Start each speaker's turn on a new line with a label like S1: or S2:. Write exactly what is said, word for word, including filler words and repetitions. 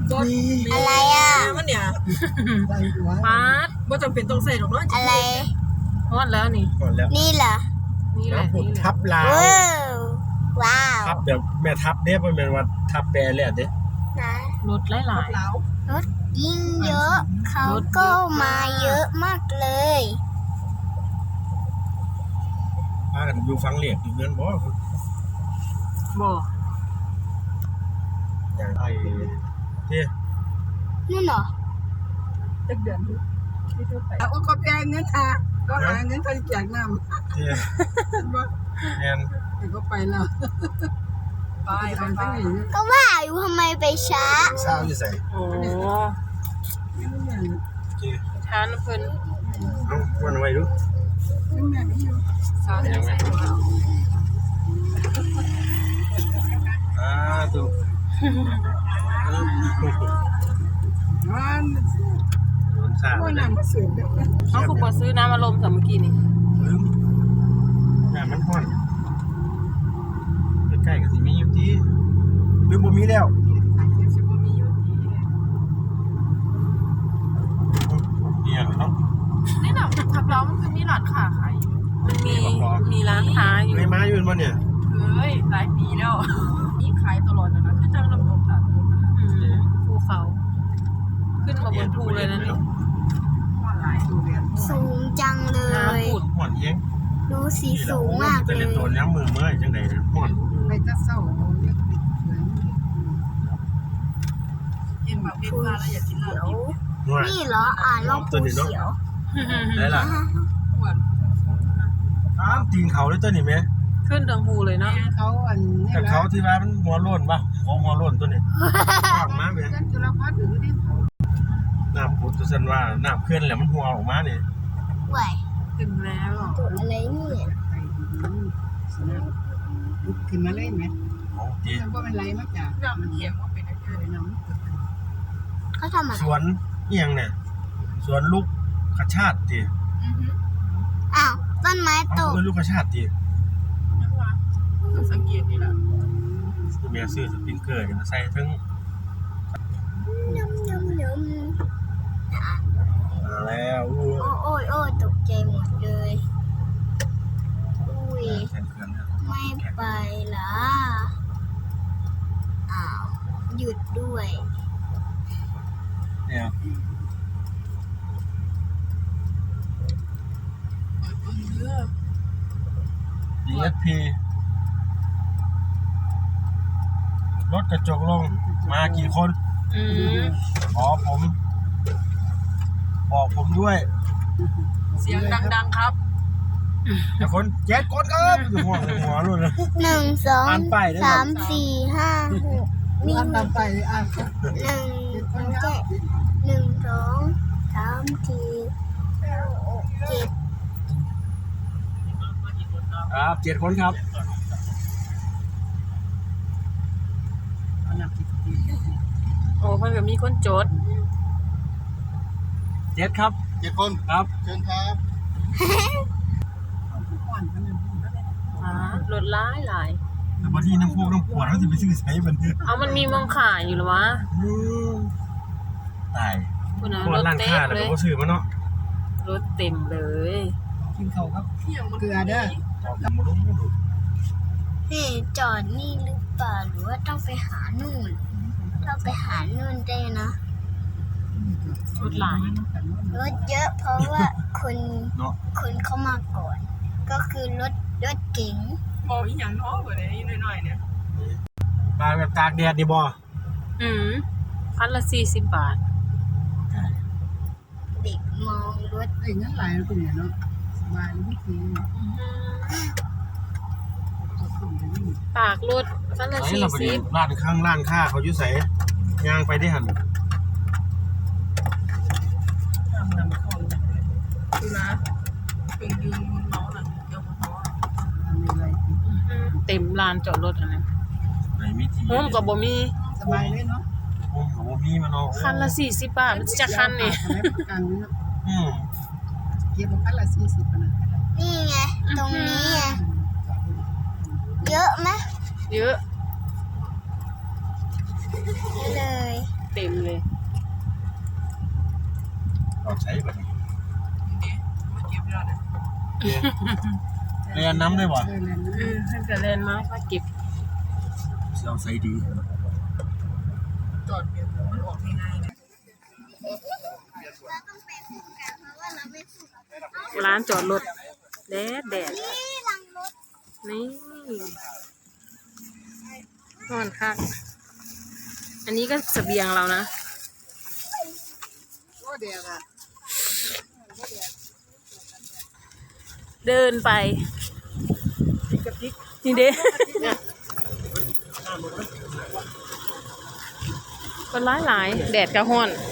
S1: อะไรอ่ะ
S2: มันเนี่ย
S3: ปาด
S2: ว่าจำเป็นต้องใส่หรอกเนาะ
S1: อะไร
S3: ฮอดแล้วนี่
S4: ก่อนแล้ว
S1: นี่เหรอ
S3: นี่แหละ
S4: ผม
S3: นี่แหละ
S4: ทับลาว
S1: ว้าวว้าว
S4: ทับแบบแม่ทับเด้บ่แม่นว่าทับแปรแล้วเด้
S1: นะ
S3: รถหลาย
S2: เหลาร
S1: ถยิ่งเยอะเขาก็มาเยอะมากเลย
S4: พากันอยู่ฟังเหลียกอยู่เงินบ่
S3: ๆบ่
S4: อย่างไอ้เด้
S1: นั่นเหรอ
S2: จักเดือนที่เธอไปเอาก็แปลเงินอ่ะก็หาเงินเขาแจกน้ำ
S4: เด้แม่น
S2: แต่ก็ไปแล้วไปไปไป
S1: ก็ว่าอยู่ทำไมไปช้า
S4: สาวอยู่ไส
S3: โอ้
S4: เด้
S3: ทานเพิ่น
S4: เอาวันไว้ดู
S2: สาวยังไง
S4: อ่าตุ
S2: มัน
S4: โดนซ่า
S2: ก็
S4: ไปแล้ว
S2: นำมาเสือเด็ก
S3: เขาคือบ่ซื้อน้ำอารมณ์สามเมื่อกี้นี่
S4: ลืมแม่มันฮ้อนใกล้ๆก็สิมีอยู่ที่ลืมบ่มีแล้วเนี่ยเนาะ
S2: นี่น่ะทับเรามันคือมีร้านค้าขายอยู่
S3: มันมีมีร้านค้าอยู่
S4: ไม่มาอยู่บ่เนี่ย
S2: เฮ้ยหลายปีแล้วนี่ขายตลอดนะนะคือจังลำดงตาตัวนะ
S3: อืมภูเขา ขึ้นมาบนภูเลยนะนี่
S2: ว่าหลายดูเรียน
S1: สูงจังเลย
S3: น้ำผุด
S4: ฮ้อนเอง
S1: ดูสีสูงมาก
S4: จะ
S1: เล
S4: เล่น
S1: ย
S4: ตัวย้ำมือเมื่อยจังได๋ฮ้อน
S2: ไปจะเศร้าเนี่ยกินแบบพิซซ่าแล้วอยากกินเหล้า
S4: นวด
S1: นี่เหรออ่านรอบภูเขียว
S4: ได้ล่ะ
S2: อ้วน
S4: อ้าวตีนเขาเลยตัวนี้แม่
S3: ขึ้นทางภูเลยเนาะ
S2: เขาอันนี้
S4: แต่
S2: แหละ
S4: เขาที่ว่ามันหัวโล้นป่ะของหัวโล้นตัวนี้ออกมาแม่
S2: เส้นจุฬาภาหรือที่เขา
S4: น้ำพุดตัวซั่นว่าน้ำเคลื่อนแล้วมันหัวออกมานี่
S1: ไหว
S3: ถึงแล้ว
S1: ตัวอะไรเนี่ย
S2: ไปลุกขึ้นมาเลยไหม
S4: เอาดี
S2: มันว่ามันไรมาจากมันเขียนว่าเป็นอะไรน้ำ
S1: เขาทำอะไร
S4: สวนอีหยังเนี่ยสวนลูกกระชาติติ
S1: อ้าวต้นไม้ต
S4: เอา
S1: ก
S4: เพิ่นลูกกระชาติติ
S2: สังเกตนี่แหละ
S4: แม่ซื้อสปริงเกอร์มาใส่ถึง
S1: ยำยำย
S4: มาแล้วอู้
S1: ำโอ้ยโอ้ยตกใจหมดเลยอุ้ย
S4: แทนเครื่องเนี่ย
S1: ไม่ไปละอ้าวหยุดด้วย
S4: เนี่ย ดี เอส พี รถกระจกลงมากี่คน
S3: อืม
S4: ขอผม บอกผมด้วย
S2: เสียงดังๆครับ
S4: แต่คนเจ็ดคนครับอยู่หัวหัวรุ่นเลย
S1: หนึ่งสอง
S4: อ่านป้ายด้วยครับ
S1: สามสี่ห้าหกมี
S2: อ่าน
S1: ห
S2: ตาม
S1: นึ่ง
S2: ไปอ่าน
S1: หนึ่งเจ็ดหนึ่งสองสามสี่ห้าหกเจ็ด
S4: ครับเจ็ดคนครับ
S3: โอ้เพิ่นก็มีคนจด
S4: เจ็ดครับ
S5: เจ็ดคน
S4: ครับ
S5: เชิญครับ
S3: อ่ารถหลายหลาย
S4: แต่บางทีน้ำพวกน้ำปวดเขาจะไปซื้อใช้มันเถอะ
S3: เอามันมีมองขายอยู่หรอวะ
S4: ตาย
S3: คุณนะ
S4: พว
S3: ร
S4: ก
S3: ถ
S4: ร้าน
S3: เต็
S4: ค้าม แล้ว
S3: เลย
S4: ก็ซื้อมาเนาะ
S3: รถเต็มเลย
S2: กินเขาครับเกลือเด้อ
S4: เอามาลุ้มดู
S1: นี่จอดนี่หรือเปล่าหรือว่าต้องไปหานู่นต้องไปหานู่นได้นะ
S3: รถหลาย
S1: รถเยอะเพราะว่าคน
S4: เนาะ
S1: คนเข้ามาก่อน ก็คือรถรถเก๋ง
S2: มองอีกอย่างน้อยกว่านี้หน่อยๆเนี่ย
S4: มาแบบตากแดดดีบ่
S3: อืมพันละสี่สิบบาท
S1: เด็กมองรถ
S2: ไอ้เงินหลายตัวเนี่ยเนาะสบายเลยพี่ที
S3: ปากรถพันละ
S4: ไอ้
S3: สี่
S4: เราไป
S3: สิบ
S4: ร้านข้างร้านค้าเขาอยู่ใส่ย่างไปได้หัน
S2: ทำนำเข้าอย่างไรดูนะเป็นยืนบนเมาส์น่ะเดี๋ยวเขาทำอะไร
S3: เต็มลานจอดรถอันนั้น
S4: ไหนมีที
S3: โฮมกับบ่มี
S2: สบายเลยเนาะ
S4: โอ้โหมีมาเนาะ
S3: คันละสี่สิบบาทมันจะคันนี่
S2: ประกันเนาะ
S4: อืม
S2: เก็บคันละสี่สิบนะ
S1: นี่ไงตรงนี้ไงเยอะไหม
S3: เยอะ
S1: เยอะเลย
S3: เต็มเลย
S4: เราใช้แบบนี้
S2: นี่มาเก็บยอดเลย
S4: เรียนน้ำได้บ่
S3: เออท่านก็เล่นมาก็เก็บ
S4: เราใช้ดี
S2: จอดเปลี่ยนมันออกง่ายๆนะ
S1: เราต้องไปคู่กันเพราะว่าเราไม่คู่
S3: ร้านจอดรถแดดแดด
S1: นี่หลังรถ
S3: นี่นอนคักอันนี้ก็เสบียงเรานะ
S2: ว่าเดียวอะ
S3: เดินไปนี่เด้ก็หลายหลายๆแดดกระห้อน